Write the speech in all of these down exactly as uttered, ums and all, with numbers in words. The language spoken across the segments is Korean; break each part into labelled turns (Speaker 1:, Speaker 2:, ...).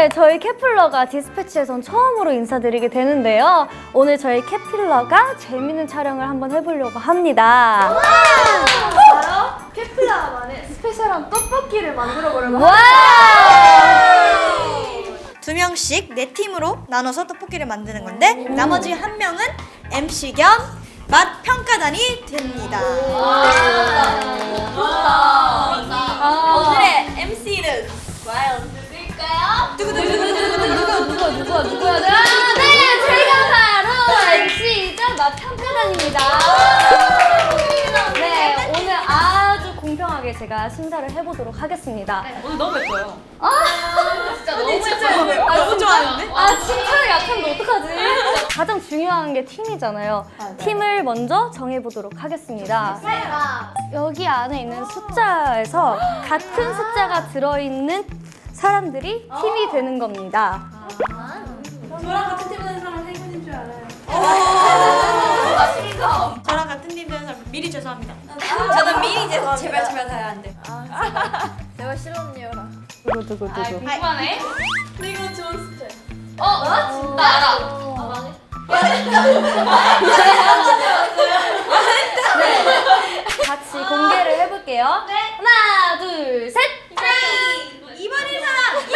Speaker 1: 오늘 저희 캐플러가 디스패치에선 처음으로 인사드리게 되는데요. 오늘 저희 캐플러가 재밌는 촬영을 한번 해보려고 합니다.
Speaker 2: 바로 캐플러만의 스페셜한 떡볶이를 만들어 보려고
Speaker 1: 와!
Speaker 3: 두 명씩 네 팀으로 나눠서 떡볶이를 만드는 건데 나머지 한 명은 엠씨 겸 맛 평가단이 됩니다. 오늘의 엠씨는 과연 누구일까요?
Speaker 1: 누구누구누구누구 누구 누구 누구야? 네, 제가 바로 엠씨이자 맛 평가단입니다. 네, 오늘 아주 공평하게 제가 심사를 해보도록 하겠습니다.
Speaker 4: 오늘 너무 예뻐요.
Speaker 1: 아,
Speaker 4: 진짜 너무 예뻐요.
Speaker 1: 아,
Speaker 3: 너무 좋아하는데?
Speaker 1: 아, 칭찬이 약한데 어떡하지? 가장 중요한 게 팀이잖아요. 팀을 먼저 정해보도록 하겠습니다. 여기 안에 있는 숫자에서 같은 숫자가 들어있는 사람들이 팀이 되는 겁니다.
Speaker 2: 저랑 같은 팀 하는 사람 행운인 줄 알아요.
Speaker 3: 저랑 같은 팀 되는 사람 미리 죄송합니다. 저는 미리 죄송합니다. 제발 제발 다야 안 돼.
Speaker 2: 내가 싫었니요라.
Speaker 1: 누구 누구 누구?
Speaker 4: 궁금하네.
Speaker 2: 근데 이거 좋은 스타일.
Speaker 4: 어, 나 진짜 알아.
Speaker 1: 같이 공개를 해볼게요. 하나, 둘, 셋!
Speaker 3: 이번인 사람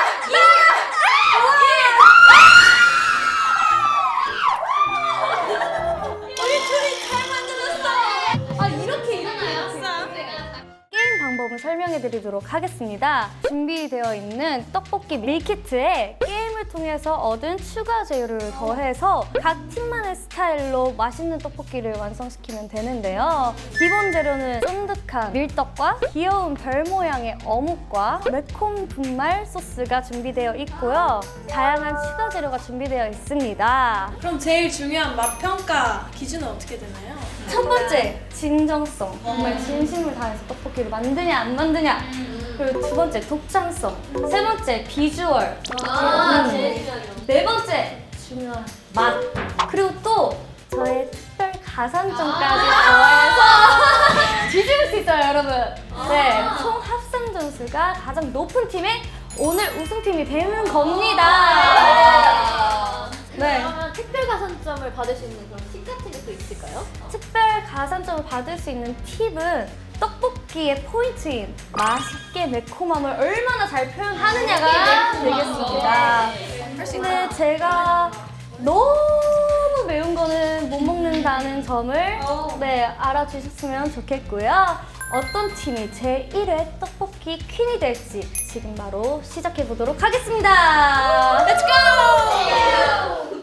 Speaker 1: 아, 이렇게 일어나요? 게임 방법을 설명해 드리도록 하겠습니다. 준비되어 있는 떡볶이 밀키트에 게임을 통해서 얻은 추가 재료를 더해서 각 팀만의 스타일로 맛있는 떡볶이를 완성시키면 되는데요. 기본 재료는 쫀득한 밀떡과 귀여운 별 모양의 어묵과 매콤 분말 소스가 준비되어 있고요. 다양한 추가 재료가 준비되어 있습니다.
Speaker 2: 그럼 제일 중요한 맛 평가 기준은 어떻게 되나요?
Speaker 1: 첫 번째, 진정성. 정말 진심을 다해서 떡볶이를 만드냐 안 만드냐. 그리고 두 번째, 독창성. 세 번째, 비주얼. 음. 네 번째, 중요한 맛. 그리고 또 저의 특별 가산점까지 더해서 뒤집을 수 있어요, 여러분. 네, 총 합산 점수가 가장 높은 팀이 오늘 우승팀이 되는 겁니다. 네.
Speaker 5: 그러면 특별 가산점을 받을 수 있는 그런 팁 같은 게 또 있을까요?
Speaker 1: 특별 가산점을 받을 수 있는 팁은 떡볶이의 포인트인 맛있게 매콤함을 얼마나 잘 표현하느냐가 되겠습니다. 근데 제가 너무 매운 거는 못 먹는다는 점을 네, 알아주셨으면 좋겠고요. 어떤 팀이 제일 회 떡볶이 퀸이 될지 지금 바로 시작해 보도록 하겠습니다. Let's go!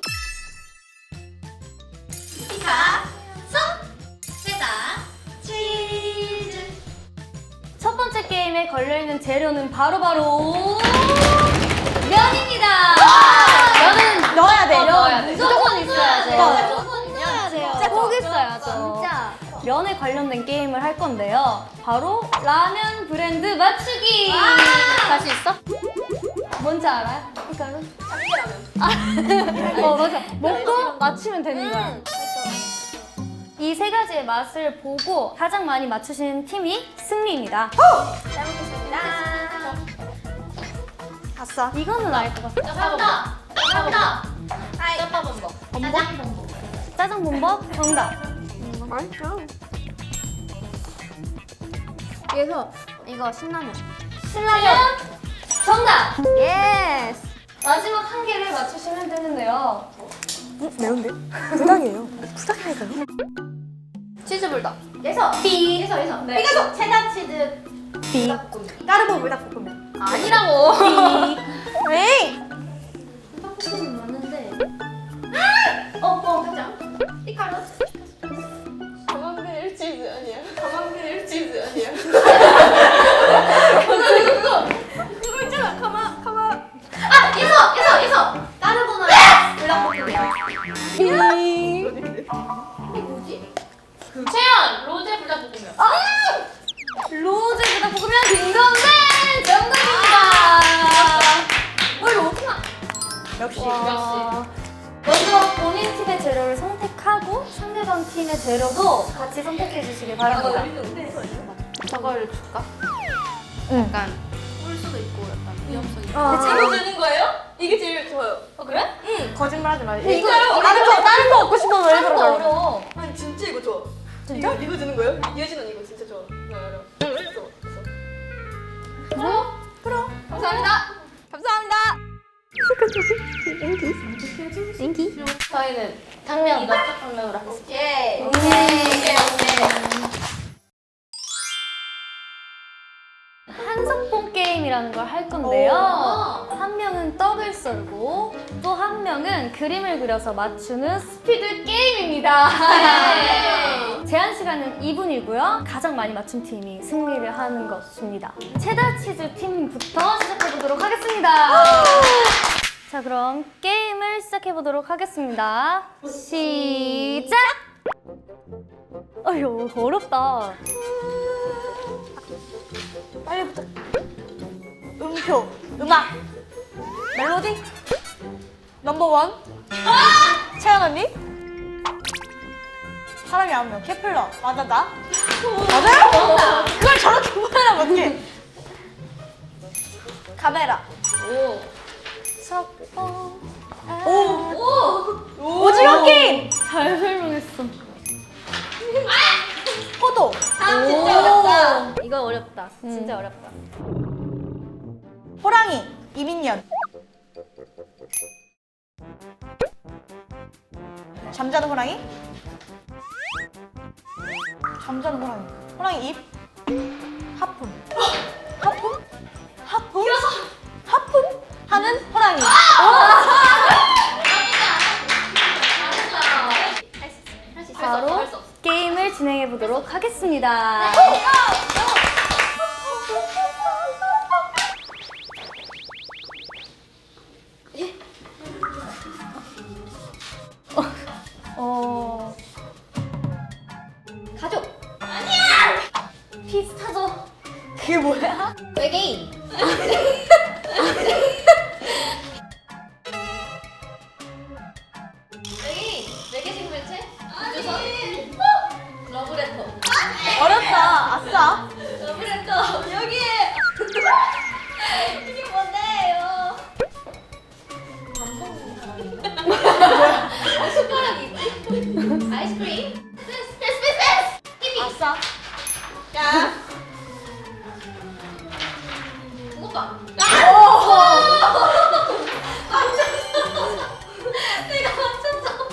Speaker 1: 첫 번째 게임에 걸려있는 재료는 바로바로 면입니다. 면은
Speaker 3: 넣어야 돼.
Speaker 1: 면 무조건 있어야 돼요.
Speaker 5: 무조건 있어야 돼요.
Speaker 1: 꼭 있어야죠.
Speaker 5: 진짜.
Speaker 1: 면에 관련된 게임을 할 건데요. 바로 라면 브랜드 맞추기.
Speaker 5: 갈 수 있어?
Speaker 1: 뭔지 알아요? 그러니까 아, 어 맞아. 먹고 맞추면 되는 거야. 이 세 가지의 맛을 보고 가장 많이 맞추신 팀이 승리입니다.
Speaker 3: 잘 먹겠습니다. 갔어.
Speaker 1: 이거는 알 것 같아.
Speaker 5: 정답! 정답! 짜파 범벅. 짜장 범벅.
Speaker 1: 짜장 본법 정답.
Speaker 5: 그래서 이거 신라면.
Speaker 1: 신라면 정답.
Speaker 5: 예스!
Speaker 1: 마지막 한 개를 맞추시면 되는데요.
Speaker 5: 치즈불닭. 예서!
Speaker 1: 삐.
Speaker 5: 예서, 예서.
Speaker 1: 네.
Speaker 5: 피카소! 체다 치즈.
Speaker 1: 삐.
Speaker 3: 까르보 물닭볶음면.
Speaker 5: 아니라고!
Speaker 3: 에이.
Speaker 5: 떡볶이는 많은데. 어, 어, 가자. 피카로.
Speaker 2: 가망들 치즈 아니야? 가망들 치즈 아니야?
Speaker 5: 그거 있잖아. 가마, 가마. 아! 예서! 예서! 예서! 까르보나라 불닭볶음면. 이게 뭐지?
Speaker 4: 채연 로제 불닭볶음면.
Speaker 1: 로제 불닭볶음면 딩동댕 정답입니다.
Speaker 5: 어, 이거 어떻게 나?
Speaker 3: 역시.
Speaker 1: 와. 먼저 본인 팀의 재료를 선택하고 상대방 팀의 재료도 같이 선택해 주시기 바랍니다.
Speaker 5: 저거를 줄까?
Speaker 1: 응.
Speaker 5: 약간 꿀 수도 있고 약간
Speaker 4: 이거 주는 거예요? 이게 제일 좋아요. 어 그래?
Speaker 1: 거짓말하지 마.
Speaker 4: 이거
Speaker 1: 다른 거 다른 거 먹고 싶어서 왜 그런 거야?
Speaker 4: 어려워.
Speaker 5: 아니 진짜 이거 좋아.
Speaker 1: 진짜?
Speaker 5: 이거, 이거 주는 거예요? 예진 언니 이거 진짜 좋아. 나 알아. 그래서 그래서.
Speaker 4: 감사합니다.
Speaker 5: 감사합니다.
Speaker 4: 저희는 당면 맛적 당면으로 하겠습니다.
Speaker 5: 오케이.
Speaker 4: 오케이 오케이.
Speaker 1: 한석봉 게임이라는 걸 할 건데요. 한 명은 떡을 썰고 또 한 명은 그림을 그려서 맞추는 스피드 게임입니다. 제한 시간은 이 분이고요. 가장 많이 맞춘 팀이 승리를 하는 것입니다. 체다 치즈 팀부터 시작해 보도록 하겠습니다. 자, 그럼 게임을 시작해 보도록 하겠습니다. 시작! 어휴, 어렵다.
Speaker 3: 빨리부터. 음표, 음악, 멜로디, 넘버원. 채연 언니. 사람이 한 명, 케플러, 맞아다. 맞아요? 그걸 저렇게 말하면 어떡해. 카메라.
Speaker 4: 오.
Speaker 1: 석봉.
Speaker 3: 오. 오징어 게임.
Speaker 1: 잘 설명했어.
Speaker 3: 포도.
Speaker 4: 아 진짜 어렵다.
Speaker 1: 이거 어렵다. 진짜 어렵다.
Speaker 3: 호랑이, 이민년. 잠자는 호랑이. 잠자는 호랑이. 호랑이 입. 하품. 하품? 하품? 하품? 하는 호랑이.
Speaker 1: 바로 게임을 진행해 보도록 하겠습니다. 어,
Speaker 4: 가족.
Speaker 1: 비슷하죠?
Speaker 3: 그게 뭐야?
Speaker 4: 외계인. 외계인. 외계 생물체? 우주선? 러브레터.
Speaker 3: 어렵다. 아싸.
Speaker 4: 러브레터. 여기에. 이게 뭔데요? 숟가락이 있지? 아이스크림? 패스 패스 패스! 티비!
Speaker 3: 아싸.
Speaker 4: 야! 붕어빵! 내가 맞췄어!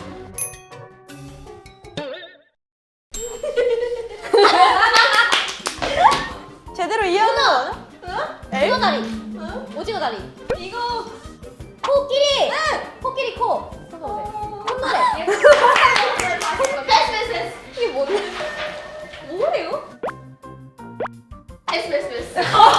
Speaker 3: 제대로 이해하는 거
Speaker 4: 오징어 다리! 오징어 다리! 이거 코끼리! 코끼리 코! 콧노래! 패스 패스 패스! 이게 뭔데? 뭐예요? 패스 패스 패스!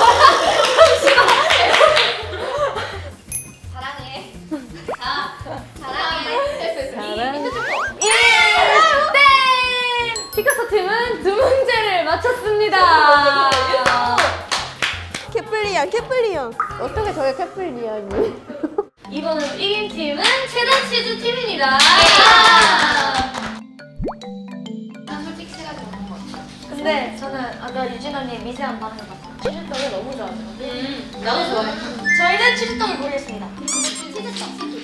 Speaker 4: 사랑해. 자, 사랑해. 패스 패스.
Speaker 1: 사랑.
Speaker 4: 힌트 줄 거.
Speaker 1: 예! 땡! 피카소 팀은 두 문제를 맞췄습니다.
Speaker 3: 캐플리언, 캐플리언.
Speaker 1: 어떻게 저게 캐플리언이? 이번은 이긴 팀은 체다치즈 팀입니다.
Speaker 4: 난 솔직히 세 가지 먹는 거 같아.
Speaker 1: 근데 저는 아까 유진 언니 미세한 반응을 봤어요. 치즈떡을 너무 좋아하죠.
Speaker 4: 음, 나도 좋아해.
Speaker 1: 저희는 치즈떡을 고르겠습니다.
Speaker 4: 치즈떡, 치즈.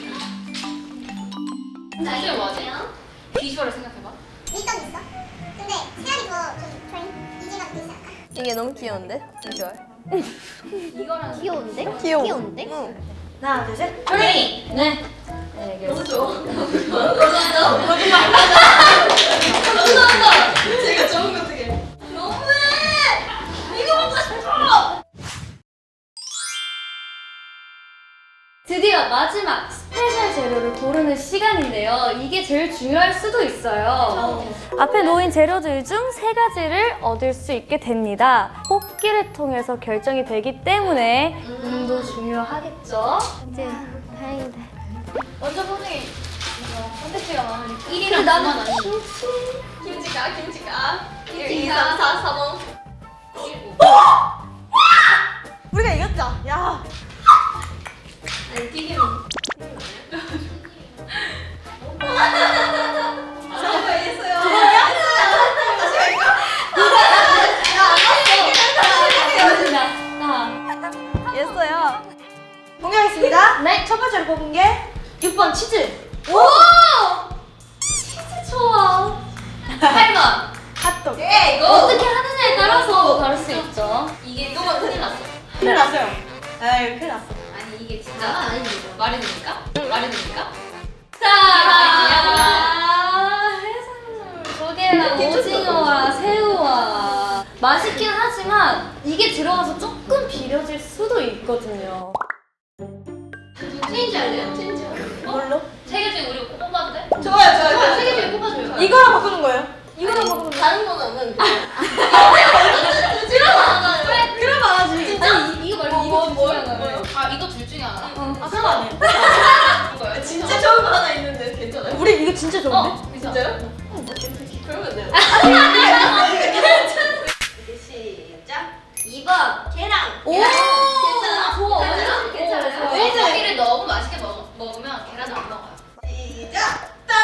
Speaker 4: 이게 뭐지? 비주얼을 생각해봐.
Speaker 6: 일단 있어. 근데 세알이 더좀 저희 이지가 더 있어.
Speaker 3: 이게 너무 귀여운데? 비주얼.
Speaker 4: 이거랑
Speaker 6: 귀여운데?
Speaker 3: 귀여워.
Speaker 6: 귀여운데?
Speaker 3: 응. 하나, 둘, 셋.
Speaker 4: 조랭이.
Speaker 1: 네.
Speaker 4: 너무 좋아. 거짓말. 거짓말.
Speaker 5: 제가 좋은 거 어떻게?
Speaker 4: 너무해. 이거 먹고 싶어.
Speaker 1: 드디어 마지막 스페셜 재료를 고르는 시간인데요. 이게 제일 중요할 수도 있어요. 앞에 놓인 재료들 중 세 가지를 얻을 수 있게 됩니다. 뽑기를 통해서 결정이 되기 때문에 운도 중요하겠죠. 이제 다행이다.
Speaker 4: 먼저 보니 선택지가 많으니까.
Speaker 1: 일이랑 나는
Speaker 4: 구만 아니. 김치가 김치가. 일, 이, 삼, 사, 사 번. 일, 오.
Speaker 3: 우리가 이겼자. 야.
Speaker 4: 아니 튀김.
Speaker 5: 저거 이겼어요.
Speaker 1: 나.
Speaker 3: 이겼어요. 첫 번째로 뽑은 게
Speaker 5: 육 번 치즈.
Speaker 3: 오!
Speaker 5: 치즈 좋아. 팔 번.
Speaker 3: 핫도그.
Speaker 4: 예 이거
Speaker 5: 어떻게 하느냐에 따라서 다를 수 있죠.
Speaker 4: 이게 이거만 큰일 났어.
Speaker 3: 큰일 났어요. 에이, 큰일 났어.
Speaker 4: 아니 이게 진짜
Speaker 5: 나만 아니지.
Speaker 4: 말이 됩니까? 말이 됩니까?
Speaker 5: 자, 해산물 조개랑 오징어와 새우와 맛있긴 하지만 이게 들어가서 조금 비려질 수도 있거든요.
Speaker 4: 체인지 할래요? 체인지 할래요?
Speaker 3: 뭘로?
Speaker 4: 세개 중에 우리 꼭 뽑아도 돼?
Speaker 3: 좋아요, 좋아요.
Speaker 4: 세개 중에 뽑아줘요.
Speaker 3: 이거랑 바꾸는 거예요? 이거랑
Speaker 4: 아니,
Speaker 3: 바꾸는 거예요?
Speaker 4: 다른 거는
Speaker 3: 그래, 그럼 안 하지.
Speaker 5: 아니, 이거 말고 이거
Speaker 4: 뭐,
Speaker 5: 중에 하나를.
Speaker 4: 뭐요? 아 이거 둘 중에 하나.
Speaker 3: 아, 그럼 안 해요.
Speaker 4: 뭐요? 진짜 좋은 거 하나 있는데 괜찮아요?
Speaker 3: 우리 이거 진짜 좋은데?
Speaker 4: 어 진짜요? 그러면 돼요. 이제 시작.
Speaker 5: 이 번.
Speaker 4: 계란.
Speaker 5: 오!
Speaker 4: 괜찮아.
Speaker 5: 좋아,
Speaker 4: 괜찮아.
Speaker 5: 괜찮아, 좋아.
Speaker 4: 왜냐면 고기를 너무 맛있게 먹, 먹으면 계란을 안 먹어요. 시작. 딴.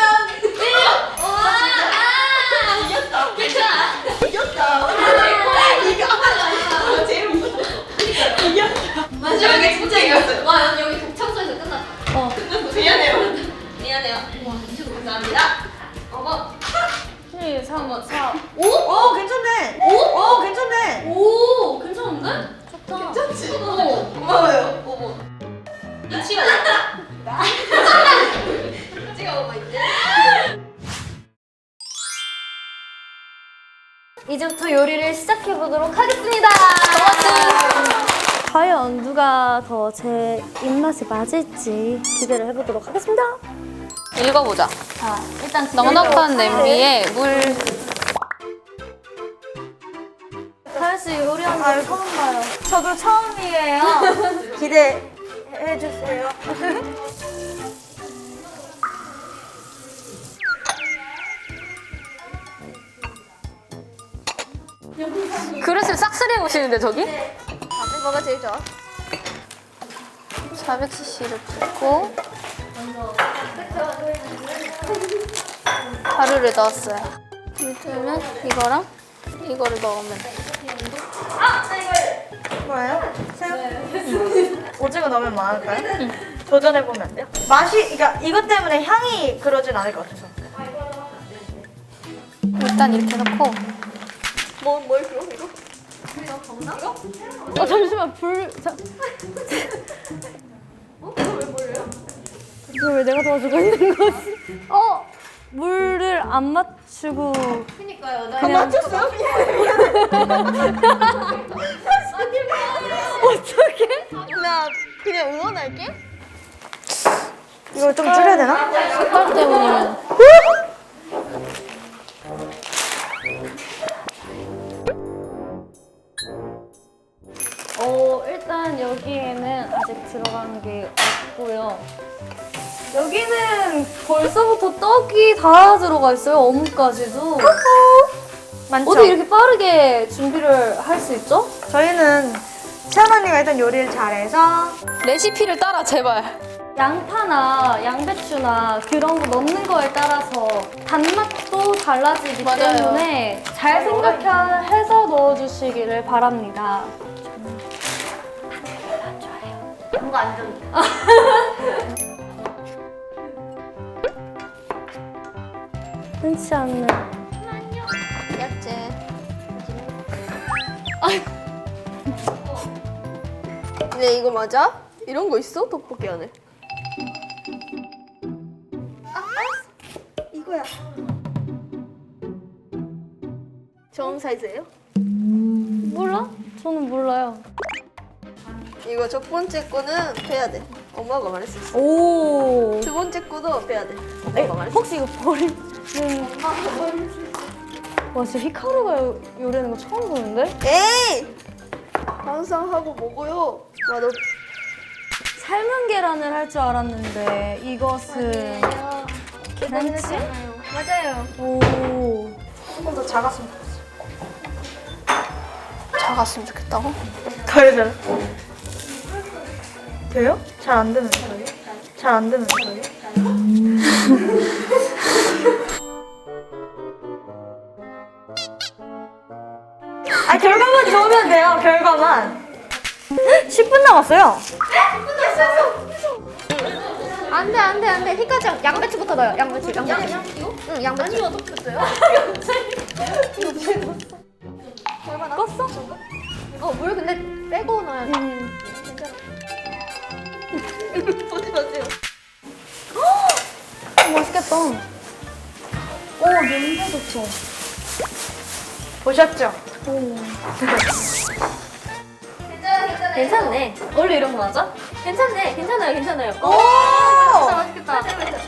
Speaker 4: 이겼다. 괜찮아. 이겼다. 이거 아, 제일 무서워. 이겼다. 마지막에 진짜 이겼어요.
Speaker 5: 와, 여기, 여기 독창소에서 끝났다.
Speaker 1: 어.
Speaker 4: 미안해요. 미안해요. 와, 진짜 감사합니다. 어머.
Speaker 1: 일, 삼, 사.
Speaker 3: 오? 오, 괜찮네. 오? 오, 괜찮네.
Speaker 5: 오, 괜찮은데? 좋다.
Speaker 4: 괜찮지?
Speaker 5: 어.
Speaker 4: 고마워요. 어머. 치가 먹어. 치가 먹어 이제.
Speaker 1: 이제부터 요리를 시작해 보도록 하겠습니다. 과연 누가 더 제 입맛에 맞을지 기대를 해보도록 하겠습니다.
Speaker 5: 읽어보자.
Speaker 1: 자, 일단
Speaker 5: 넉넉한 냄비에 물.
Speaker 1: 다현 씨 요리하는 거 처음 봐요. 저도 처음이에요.
Speaker 3: 기대해 주세요.
Speaker 5: 그릇을 싹쓸이 해보시는데, 저기?
Speaker 3: 뭐가 제일 좋아?
Speaker 5: 사백 씨씨를 붓고 가루를 넣었어요. 밑에는 이거랑 이거를 넣으면 돼.
Speaker 3: 뭐예요? 새우? 오징어 넣으면 많을까요? 도전해 보면 안 돼요? 맛이, 그러니까 이것 때문에 향이 그러진 않을 것 같아서.
Speaker 5: 일단 이렇게 넣고
Speaker 4: 뭐, 뭘 그럼 이거?
Speaker 1: 어, 잠시만 불. 자.
Speaker 4: 어? 이거 왜 버려요?
Speaker 1: 이걸 왜 내가 도와주고 있는 거지? 어 물을 안 맞추고
Speaker 4: 그니까요. 나
Speaker 1: 그냥
Speaker 3: 맞췄어요?
Speaker 1: 어떻게?
Speaker 3: 나 그냥 응원할게. 이걸 좀 줄여야 되나?
Speaker 5: 색깔 때문이면
Speaker 1: 어 일단 여기에는 아직 들어간 게 없고요. 여기는 벌써부터 떡이 다 들어가 있어요. 어묵까지도.
Speaker 3: 많죠?
Speaker 1: 어떻게 이렇게 빠르게 준비를 할 수 있죠?
Speaker 3: 저희는 채연 언니가 일단 요리를 잘해서
Speaker 5: 레시피를 따라 제발.
Speaker 1: 양파나 양배추나 그런 거 넣는 거에 따라서 단맛도 달라지기
Speaker 5: 맞아요.
Speaker 1: 때문에 잘 생각해서 넣어주시기를 바랍니다.
Speaker 5: 뭔가 안 좋은데.
Speaker 1: 흔치 않는.
Speaker 5: 야채.
Speaker 4: 근데 이거 맞아? 이런 거 있어? 떡볶이 안에?
Speaker 3: 이거야.
Speaker 4: 좋은 사이즈예요?
Speaker 1: 몰라? 저는 몰라요.
Speaker 4: 이거 첫 번째 거는 빼야 돼. 엄마가 말했었어.
Speaker 1: 오.
Speaker 4: 두 번째 거도 빼야 돼.
Speaker 1: 에이,
Speaker 4: 엄마가 말했어.
Speaker 1: 혹시 이거 버리는. 와, 진짜 히카루가 요- 요리하는 거 처음 보는데?
Speaker 4: 에이! 항상 하고 먹어요. 와, 너
Speaker 1: 삶은 계란을 할 줄 알았는데 이것은 계란찜?
Speaker 4: 맞아요.
Speaker 1: 오.
Speaker 3: 조금 더 작았으면 좋겠어.
Speaker 5: 작았으면 좋겠다고?
Speaker 3: 더 잘. 돼요? 잘 안 되는 거예요? 잘 안 되는 거예요? 아 결과만 좋으면 돼요. 결과만. 십 분 남았어요.
Speaker 5: 안돼 안돼 안돼. 휘가장 양배추부터 넣어요. 양배추 양배추. 응 양배추.
Speaker 4: 아니 어떻게 됐어요?
Speaker 1: 껐어?
Speaker 5: 어물 근데 빼고 넣어야 돼.
Speaker 1: 음.
Speaker 4: 보세요 보세요.
Speaker 1: 맛있겠다. 오, 냄새 좋죠?
Speaker 3: 보셨죠?
Speaker 4: 괜찮아 괜찮아.
Speaker 5: 괜찮네.
Speaker 1: 원래 이런 거 맞아?
Speaker 5: 괜찮네. 괜찮아요 괜찮아요.
Speaker 3: 오!
Speaker 5: 맛있겠다.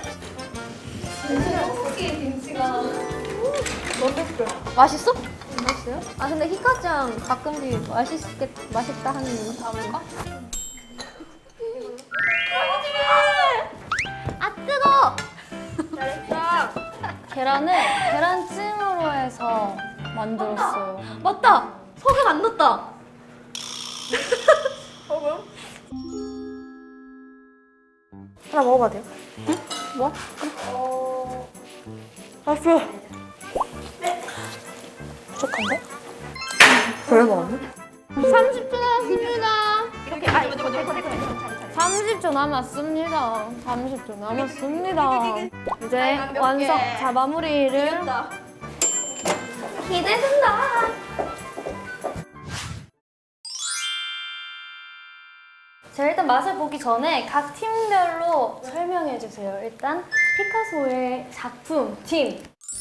Speaker 4: 떡볶이 김치가.
Speaker 5: 맛있어? 맛있어요? 아 근데 휘가장 가끔씩 맛있겠 맛있다 하는 분 담을까? 아 뜨거!
Speaker 1: 계란을 계란찜으로 해서 만들었어요.
Speaker 5: 맞다. 소금 안 넣었다.
Speaker 3: 하나 먹어봐도 돼요?
Speaker 5: 뭐?
Speaker 3: 맛있어. 부족한데? 별거 없네?
Speaker 1: 삼십 초 남았습니다.
Speaker 5: 이렇게 아 이거 이거 이거
Speaker 1: 삼십 초 남았습니다. 삼십 초 남았습니다. 이제 완성. 자, 마무리를.
Speaker 5: 기대된다.
Speaker 1: 자, 일단 맛을 보기 전에 각 팀별로 설명해 주세요. 일단 피카소의 작품 팀.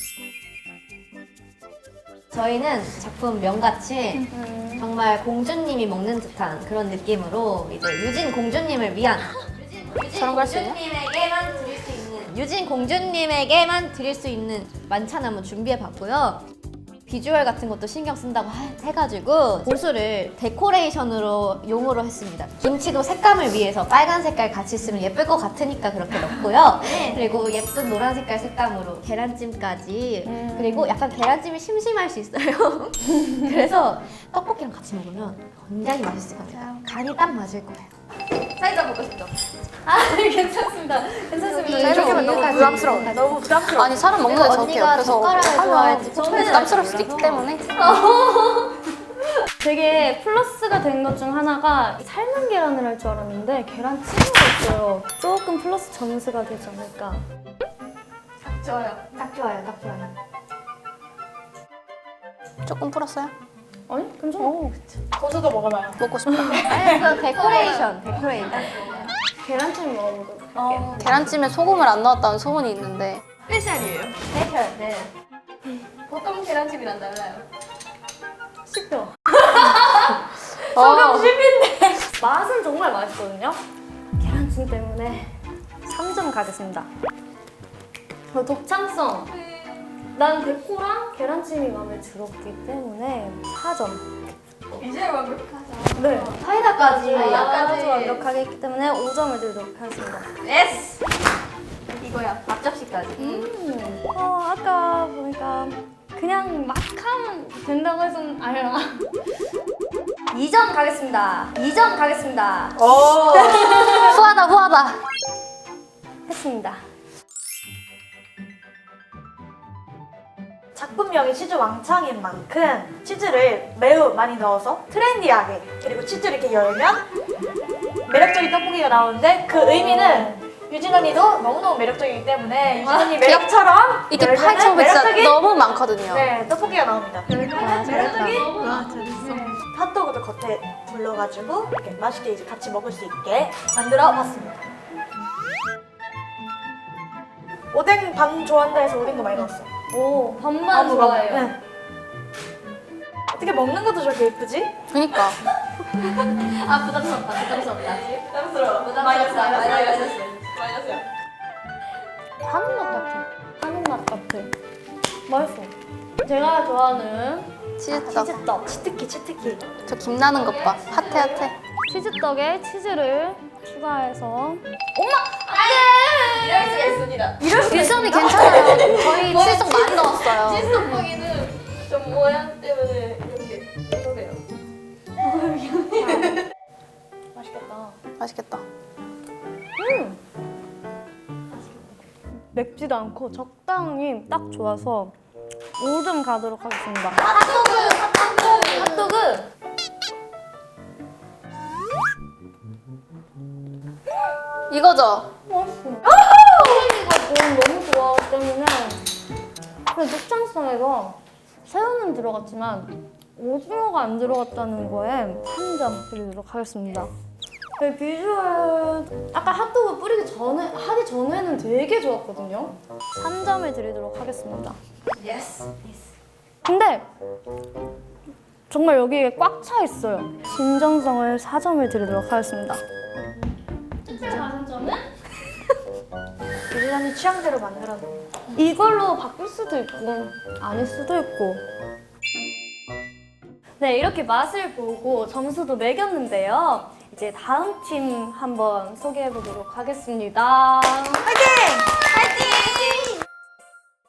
Speaker 7: 저희는 작품 명같이 정말 공주님이 먹는 듯한 그런 느낌으로 이제 유진 공주님을 위한 유진
Speaker 5: 저런 거 할 수 있냐?
Speaker 7: 공주님에게만 드릴 수 있는 유진 공주님에게만 드릴 수 있는 만찬 한번 준비해봤고요. 비주얼 같은 것도 신경 쓴다고 하- 해가지고 보수를 데코레이션으로 용으로 했습니다. 김치도 색감을 위해서 빨간 색깔 같이 쓰면 예쁠 것 같으니까 그렇게 넣고요. 그리고 예쁜 노란 색깔 색감으로 계란찜까지
Speaker 1: 음.
Speaker 7: 그리고 약간 계란찜이 심심할 수 있어요. 그래서 떡볶이랑 같이 먹으면 굉장히 맛있을 것 같아요. 간이 딱 맞을 거예요.
Speaker 4: 사이다 먹고 싶죠?
Speaker 1: 아, 괜찮습니다. 괜찮습니다.
Speaker 5: 이렇게 하면
Speaker 3: 너무 부담스러워. 너무 부담스러워.
Speaker 5: 아니 사람 먹는 게 저렇게
Speaker 7: 언니가
Speaker 5: 옆에서
Speaker 7: 젓가락을 좋아할지
Speaker 5: 처음에 부담스러울 수도 있기 때문에
Speaker 1: 되게 플러스가 된 것 중 하나가 삶은 계란을 할 줄 알았는데 계란찜으로 했어요. 조금 플러스 점수가 되지 않을까.
Speaker 4: 좋아요.
Speaker 7: 딱 좋아요, 딱 좋아요.
Speaker 5: 조금 풀었어요?
Speaker 1: 아니, 괜찮아.
Speaker 3: 고수도 먹어봐요.
Speaker 5: 먹고 싶다.
Speaker 7: 아니, 그 데코레이션, 데코레이션.
Speaker 1: 계란찜 먹어보도록 할게요.
Speaker 5: 계란찜에 소금을 안 넣었다는 소문이 있는데
Speaker 4: 스페셜이에요.
Speaker 7: 스페셜, 네.
Speaker 4: 보통 계란찜이랑 달라요.
Speaker 1: 씹혀.
Speaker 5: 어.
Speaker 1: 맛은 정말 맛있거든요. 계란찜 때문에 삼 점 가겠습니다. 어, 독창성. 난 데코랑 계란찜이 마음에 들었기 때문에 사 점.
Speaker 4: 이제 완벽하죠.
Speaker 1: 네.
Speaker 7: 사이다까지.
Speaker 1: 아주 완벽하게 했기 때문에 오 점을 드리도록 하겠습니다.
Speaker 4: 예스.
Speaker 7: 이거야, 앞접시까지.
Speaker 1: 음. 어, 아까 보니까 그냥 막 하면 된다고 해서 아니라 이 점 가겠습니다. 이 점 가겠습니다.
Speaker 3: 오!
Speaker 5: 후하다 후하다.
Speaker 1: 했습니다.
Speaker 3: 작품명이 치즈 왕창인 만큼 치즈를 매우 많이 넣어서 트렌디하게 그리고 치즈를 이렇게 열면 매력적인 떡볶이가 나오는데 그 의미는 유진 언니도 너무너무 매력적이기 때문에 유진 언니 매력처럼
Speaker 5: 이게
Speaker 3: 열면은
Speaker 5: 팔천백사
Speaker 3: 매력적인
Speaker 5: 너무 많거든요.
Speaker 3: 네, 떡볶이가 나옵니다.
Speaker 1: 매력적인
Speaker 3: 와, 잘했어. 핫도그도 겉에 둘러가지고 이렇게 맛있게 이제 같이 먹을 수 있게 만들어 봤습니다. 오뎅 반 좋아한다 해서 오뎅도 많이 넣었어요.
Speaker 1: 오, 반반 좋아해요.
Speaker 3: 네. 어떻게 먹는 것도 저렇게 예쁘지?
Speaker 5: 그니까
Speaker 7: 아, 부담스럽다, 부담스럽다.
Speaker 4: 부담스러워.
Speaker 7: 부담스럽다,
Speaker 4: 마이너스,
Speaker 7: 마이너스.
Speaker 4: 마이너스. 마이너스야.
Speaker 1: 하는 맛 같아. 하는 맛 같아. 맛있어. 제가 좋아하는
Speaker 5: 치즈떡.
Speaker 1: 치즈떡.
Speaker 3: 치트키 치트키.
Speaker 5: 저 김나는 것 봐. 핫해 핫해.
Speaker 1: 치즈떡에 치즈를 추가해서
Speaker 4: 이럴 수가 있습니다.
Speaker 5: 유선이 괜찮아요. 저희 치즈떡 많이 넣었어요.
Speaker 4: 치즈 떡볶이는 좀 모양 때문에 이렇게 이러네요.
Speaker 1: 맛있겠다.
Speaker 5: 맛있겠다.
Speaker 1: 맵지도 않고 적당히 딱 좋아서 오 점 가도록 하겠습니다. 핫도그!
Speaker 4: 이거죠?
Speaker 1: 이거 돈 너무 좋아하기 때문에 그 특장성에서 새우는 들어갔지만 오징어가 안 들어갔다는 거에 한 점 드리도록 하겠습니다. 그 비주얼 아까 핫도그 뿌리기 전에 하기 전에는 되게 좋았거든요. 삼 점을 드리도록 하겠습니다.
Speaker 4: 예스.
Speaker 1: 근데 정말 여기에 꽉 차 있어요. 진정성을 사 점을 드리도록 하겠습니다.
Speaker 2: 다른 점은?
Speaker 3: 유진 언니 취향대로 만들었네.
Speaker 1: 이걸로 바꿀 수도 있고 아닐 수도 있고. 네, 이렇게 맛을 보고 점수도 매겼는데요. 이제 다음 팀 한번 소개해 보도록 하겠습니다.
Speaker 3: 화이팅! 화이팅!